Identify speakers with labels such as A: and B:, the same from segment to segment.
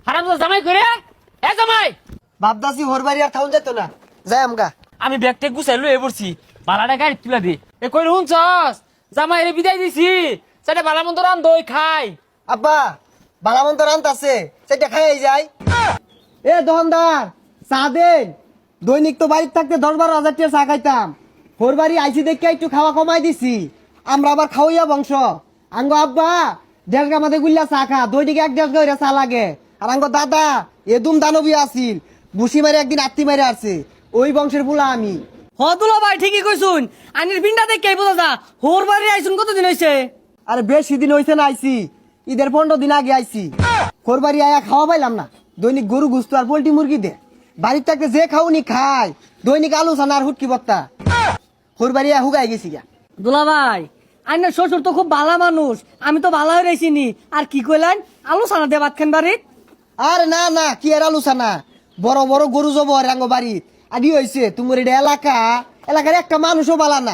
A: হারামজাদা জামাই করে এ জামাই
B: বাপদাসি হোর বাড়ি আর থাউন যেত না যাই আমগা।
A: আমি ব্যাগটা গুছাই লয়ে পড়ছি বালাটা গাড়ি তুলা দে এ কই হুনছস জামাই রে বিদায় দিছি সেটা বালা মন্দ রান দই খাই
B: আব্বা বালামন্ত রান্ত আছে সেটা খাই যাই। এ দোকানদার চা দেন। দৈনিক তো বাড়িতে থাকতে 10-12 হাজার টাকা চা খাইতাম। হোর বাড়ি আইসি দেখে একটু খাওয়া কমাই দিছি। আমরা আবার খাওয়াইয়া বংশ। আঙ্গ আব্বা 1.5 গা মাঝে গুল্লা চা খা, দৈনিক 1-1.5 গা চা লাগে। আর আঙ্গ দাদা এদুম দানবী আছিল, বুসি মারে একদিন আত্মি মারে আসছে। ওই বংশের বুলা আমি।
C: হদুলা ভাই ঠিকই কইছুন, আনির পিন্ডা দেখে বোঝা যা হোর বাড়ি আইছুন কতদিন হইছে?
B: আরে বেশি দিন হইছে না আইছি, ঈদের 15 দিন আগে আইছি। হোর বাড়ি আয়া খাওয়া পাইলাম না। দৈনিক গরু গুস্ত আর পোল্ট্রি মুরগি দে। বাড়ির থাকতে যে খাওনি খায়, দৈনিক আলু সানা আর হুটকি বত্তা। হোর বাড়ি আয়া হুগাই গেছি গা।
C: দুলা ভাই আইনের শ্বশুর তো খুব ভালো মানুষ, আমি তো ভালো হয়ে রইছিনি। আর কি কইলেন আলু সানা দিয়ে ভাত খান বাড়িত?
B: আরে না না, কি আর আলু সানা, বড় বড় গরু জব রাঙ্গ বাড়িত। আদি হইছে তোমার এটা এলাকার একটা মানুষও বালা না।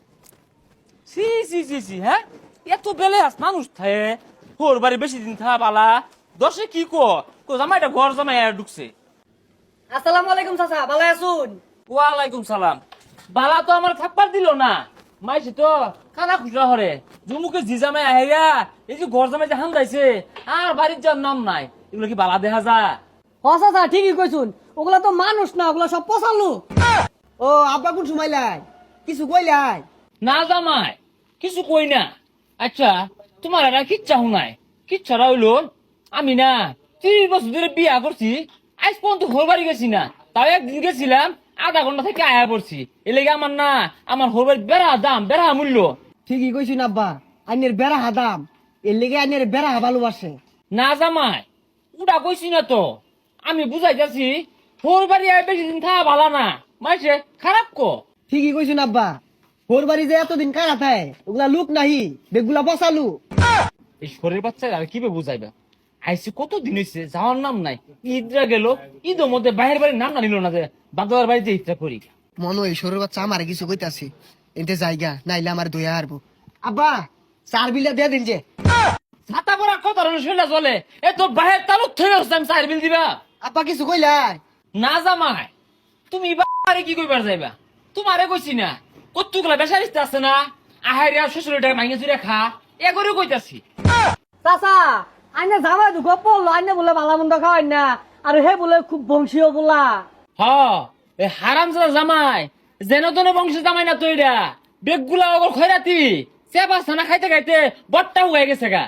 A: সি সি সি সি হ্যাঁ এত বেলে আস মানুষ থাকে হোর বাড়ি বেশি দিন থা বালা দশে কি কো জামাইটা ঘর জামাই আর ঢুকছে।
C: আসসালামু আলাইকুম চাচা, ভালো আছুন?
A: ওয়ালাইকুম সালাম। বালা তো আমার থাকবার দিল না, মাইছে তো খানা খুচরা হরে জুমুকে জি জামাই আহেরা এই যে ঘর জামাই যে হামদাইছে আর বাড়ির যার নাম নাই, এগুলো কি বালা দেখা যা?
C: হ চাচা ঠিকই কইছুন, ওগুলা তো মানুষ না, ওগুলা সব পচালু।
B: ও আব্বা কোন সুমাইলাই কিছু কইলাই?
A: না জামাই কিছু কই না। আচ্ছা তোমার আর কিচ্ছা হুনাই কিচ্ছারা হইলো আমি না 30 বছর ধরে বিয়া করছি, আজ পর্যন্ত হোর বাড়ি গেছি না। তাও একদিন গেছিলাম, আধা ঘন্টা থেকে আয়া পড়ছি। এ লেগে আমার না আমার হোর বাড়ি বেড়া দাম বেড়া মূল্য।
B: ঠিকই কইছি না আব্বা, আইনের বেড়া হাদাম, এর লেগে আইনের বেড়া ভালোবাসে।
A: না জামাই উড়া কইছি না তো, আমি বুঝাই যাচ্ছি হোর বাড়ি আয় বেশি দিন থাকা ভালো না, মাইছে খারাপ কো।
B: ঠিকই কইছি না আব্বা, হোর বাড়ি যে এতদিন কারা থাকে ওগুলা লোক নাহি, বেগুলা বসালু।
A: এই শরীর বাচ্চা আর কি বুঝাইবা, আইসি কত দিন হয়েছে যাওয়ার নাম নাই। ঈদরা গেল, ঈদের মধ্যে বাইরের বাড়ির নাম না নিল না যে বাদার বাড়িতে ঈদটা করি।
B: মনে হয় সরুর বাচ্চা আমার কিছু কইতাছি, এতে জায়গা নাইলে আমার দয়া হারবো। আব্বা 4 বিলা দিয়ে দিন যে।
A: ছাতা পরা কত শুনে চলে এ তোর বাহের তালুক থেকে আমি 4 বিল দিবা।
B: আব্বা কিছু কইলাই?
A: না জামাই তুমি বাড়ি কি কইবার যাইবা, তোমারে কইছি না কতগুলা বেসারিস্তে আছে না আহারিয়া শ্বশুরের টাকা মাইনে চুরে খা এ করে কইতাছি।
C: চাচা আইনে জামাই দুঃখ পড়লো, আইনে বলে ভালো মন্দ খাওয়াই না, আর হে বলে খুব বংশীয় বলা।
A: হ এ হারামজাদা জামাই যেন তেন বংশের জামাই না তৈরা বেগগুলা ওগর খয়রাতি চেপা ছানা খাইতে খাইতে বট্টা হয়ে গেছে গা।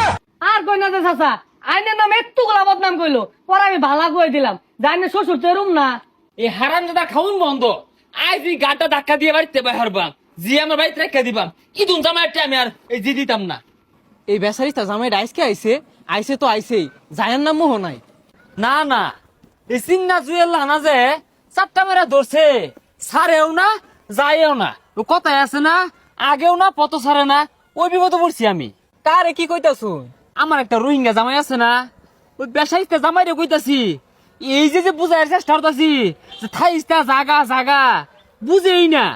C: আর কই না যে চাচা আইনের নাম একটু গোলা বদনাম কইলো, পরে আমি ভালা কই দিলাম জানি শ্বশুর তো এরম না।
A: এই হারামজাদা খাউন বন্ধ, আজ এই গাটা ধাক্কা দিয়ে বাড়িতে বাহারবাম জি আমার বাড়িতে রেখে দিবাম, ইদুন জামাইটা আমি আর এই জি দিতাম না।
D: এই বেচারিটা জামাই আইসকে আইসে তো আইসেই, জায়ার নাম মোহ নাই।
A: না না এই চিন্না জুয়েল না যে 4টা মেরা ধরছে, ছাড়েও না যায়ও না, ও কথায় আছে না আগেও না পত ছাড়ে না, ওই বিপদে পড়ছি আমি।
D: কারে কি কইতাছু?
A: আমার একটা রোহিঙ্গা জামাই আছে না, ওই বেসাইতে জামাই রে কইতাছি এই যে বুঝাইয়ের চেষ্টা করতাছি যে থাইস্তা জাগা জাগা বুঝেই না।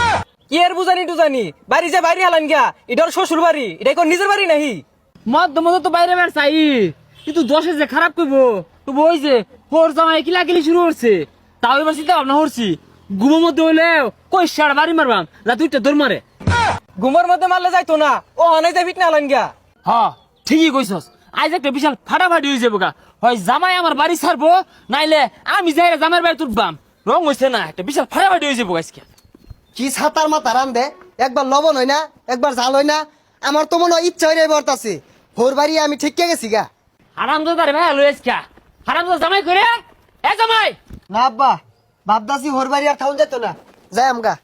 D: কি এর বুঝানি টুজানি, বাড়ি যে বাড়ি হালান গিয়া, এটার শ্বশুর বাড়ি, এটা কোন নিজের বাড়ি নাহি?
A: মধ্য মধ্য তো বাইরে বের চাই, কিন্তু দশে যে খারাপ করবো তো ওই যে হোর জামাই কিলাকিলি শুরু করছে, তাও এবার চিন্তা ভাবনা করছি ঘুমের মধ্যে হইলে কই সার বাড়ি মারবাম যা দুইটা দৌড় মারে।
D: ঘুমের মধ্যে মারলে যাইতো না, ও অনেক যাই ফিট না হালান গিয়া।
A: হ ঠিকই কইছস, আজ একটা বিশাল ফাটাফাটি হয়ে যাবো গা, হয় জামাই আমার বাড়ি ছাড়বো নাইলে আমি যাই জামাইয়ের বাড়ি তুলবাম। রং হয়েছে না, একটা বিশাল ফাটাফাটি হয়ে যাবো আজকে।
B: কি ছাতার মাথা রান দে, একবার লবণ হয় না একবার জাল হয় না। আমার তো মনে হয় ইচ্ছা হয়ে বর্তাছে, হোর বাড়ি আমি ঠিক গেছি গা।
A: হারামজাদা রে ভাই লই আজকে হারামজাদা জামাই করে এ জামাই।
B: না আব্বা বাপদাসি হোর বাড়ি আর থাউন যেত না, যাই আমগা।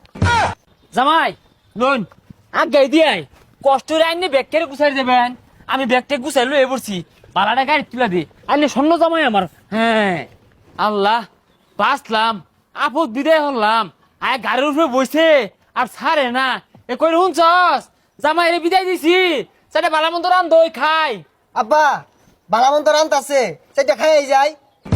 A: জামাই লোন আগে দিয়াই কষ্ট রে আইনে ব্যাগ কেড়ে গুছাই দেবেন, আমি ব্যাগটা গুছাই লয়ে পড়ছি বালাটা গাড়ি তুলা দি আইনে স্বর্ণ জামাই আমার। হ্যাঁ আল্লাহ বাঁচলাম, আপদ বিদায় হলাম, আয় গাড়ির উপরে বসে আর ছাড়ে না। এ কই শুনছস জামাই রে বিদায় দিছি সেটা বালা মন্দ রান দই খাই।
B: আব্বা বালামন্ত রান্ত আছে সেটা খাই যায়।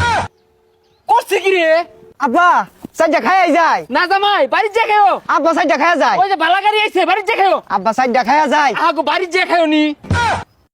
A: করছে কি রে?
B: আব্বা সাইডটা খাই যায়।
A: না জামাই বাড়ির যে খেও,
B: আব্বা সাইডটা খাই যায়।
A: ওই যে বালা গাড়ি আইছে বাড়ির যে খেও।
B: আব্বা সাইডটা খাই যায়।
A: আগো বাড়ির যে খেও নি।